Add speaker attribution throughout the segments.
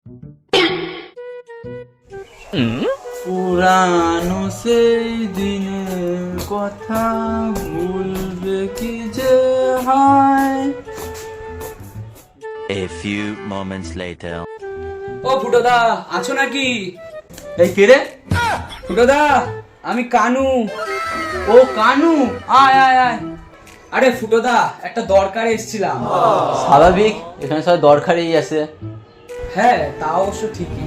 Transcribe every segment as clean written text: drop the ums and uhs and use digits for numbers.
Speaker 1: পুরানো সেই দিনের কথা ভুলবে কি যে হয়।
Speaker 2: A few moments later.
Speaker 3: ও ফুটোদা, আছো নাকি?
Speaker 1: এই কে রে?
Speaker 3: ফুটোদা, আমি কানু।
Speaker 1: ও কানু, আয় আয় আয়।
Speaker 3: আরে ফুটোদা, একটা দরকারে এসেছিলাম।
Speaker 1: স্বাভাবিক, এখানে সবাই দরকারেই আছে।
Speaker 3: হ্যাঁ, তা অবশ্য ঠিকই।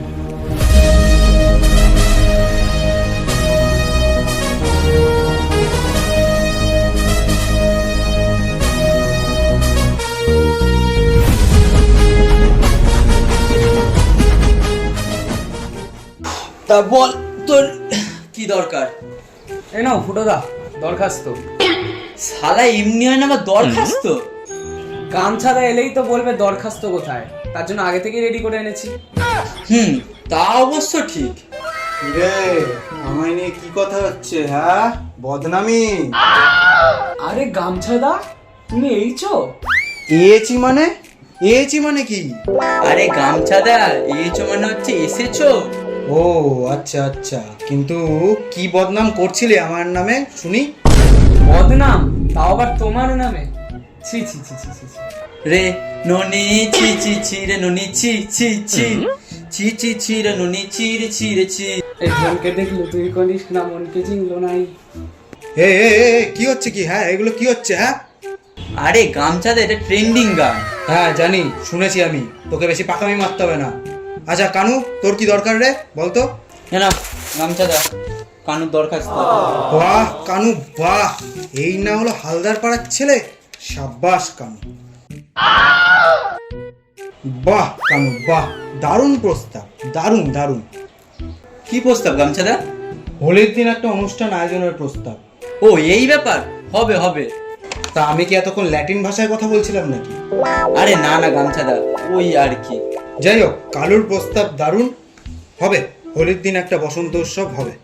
Speaker 1: তা বল তোর কি দরকার?
Speaker 3: এই নাও ফুটোদা, দরখাস্ত।
Speaker 1: শালা এমনি হয় না আমার দরখাস্ত?
Speaker 3: গামছাদা এলেই তো বলবে দরখাস্ত কোথায়, তার জন্য আগে থেকেই রেডি করে এনেছি।
Speaker 1: তা অবশ্য ঠিক।
Speaker 4: রে আমায় নিয়ে কি কথা হচ্ছে? হ্যাঁ, বদনামি।
Speaker 3: আরে গামছাদা, তুমি এইছো?
Speaker 4: এছি মানে কি?
Speaker 1: আরে গামছাদা, এইছো মানে হচ্ছে এসেছো।
Speaker 4: ও আচ্ছা আচ্ছা, কিন্তু কি বদনাম করছিলে আমার নামে শুনি?
Speaker 3: বদনাম? তাও আবার তোমার নামে? ছি ছি ছি ছি ছি ছি।
Speaker 1: রে ননি ছি ছি ছি রে ননি ছি ছি ছি ছি ছি ছি রে ননি ছি রে ছি রে ছি।
Speaker 3: এই মনকে দেখলো তুই করিস না, মনকে চিনলো নাই।
Speaker 4: এ কি হচ্ছে কি? হ্যাঁ, এগুলো কি হচ্ছে? হ্যাঁ
Speaker 1: আরে গামছাদা, এটা ট্রেন্ডিং গান।
Speaker 4: হ্যাঁ জানি, শুনেছি আমি। তোকে বেশি পাকামি মারতে হবে না। আচ্ছা কানু, তোর কি দরকার রে বলতো?
Speaker 1: না গামছাদা, কানুর দরখাস্ত।
Speaker 4: বাহ কানু বাহ, এই না হলো হালদার পাড়ার ছেলে? সাব্বাস কানু, বাহ কানু বাহ, দারুণ প্রস্তাব, দারুণ দারুণ।
Speaker 1: কি প্রস্তাব গামছাদা?
Speaker 4: হোলির দিন একটা অনুষ্ঠান আয়োজনের প্রস্তাব।
Speaker 1: ও এই ব্যাপার, হবে হবে।
Speaker 4: তা আমি কি এতক্ষণ ল্যাটিন ভাষায় কথা বলছিলাম নাকি?
Speaker 1: আরে না না গামছাদা, ওই আর কি।
Speaker 4: যাই হোক, কালুর প্রস্তাব দারুণ। হবে, হোলির দিন একটা বসন্ত উৎসব হবে।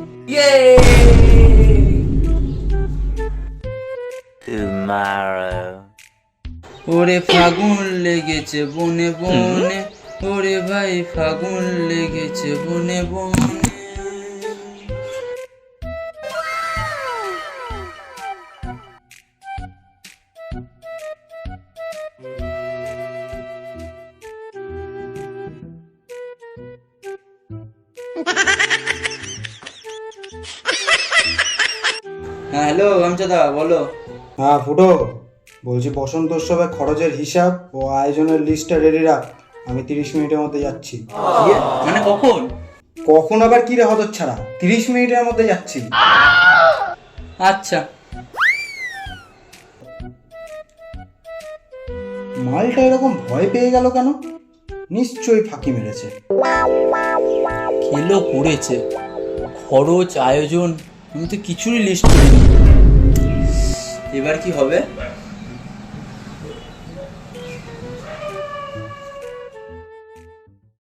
Speaker 2: Tomorrow.
Speaker 1: ওরে ফাগুন লেগেছে বনে বনে, ওরে ভাই ফাগুন লেগেছে বনে বনে। হ্যাঁ হ্যালো গামছাদা, বলো।
Speaker 4: হ্যাঁ ফুটো, বলছি বসন্ত উৎসবের খরচের হিসাব ও আয়োজনের লিস্টটা রেডি রাখ। আমি 30 মিনিটের মধ্যে যাচ্ছি।
Speaker 1: মানে কখন?
Speaker 4: কখন আবার কি রে হতচ্ছাড়া, 30 মিনিটের মধ্যে যাচ্ছি।
Speaker 1: আচ্ছা।
Speaker 4: মালটা এরকম ভয় পেয়ে গেল কেন? নিশ্চয়ই ফাঁকি মেরেছে।
Speaker 1: খেলো করেছে, খরচ আয়োজন আমি তো কিছুরই লিস্ট করিনি। এবার কি হবে?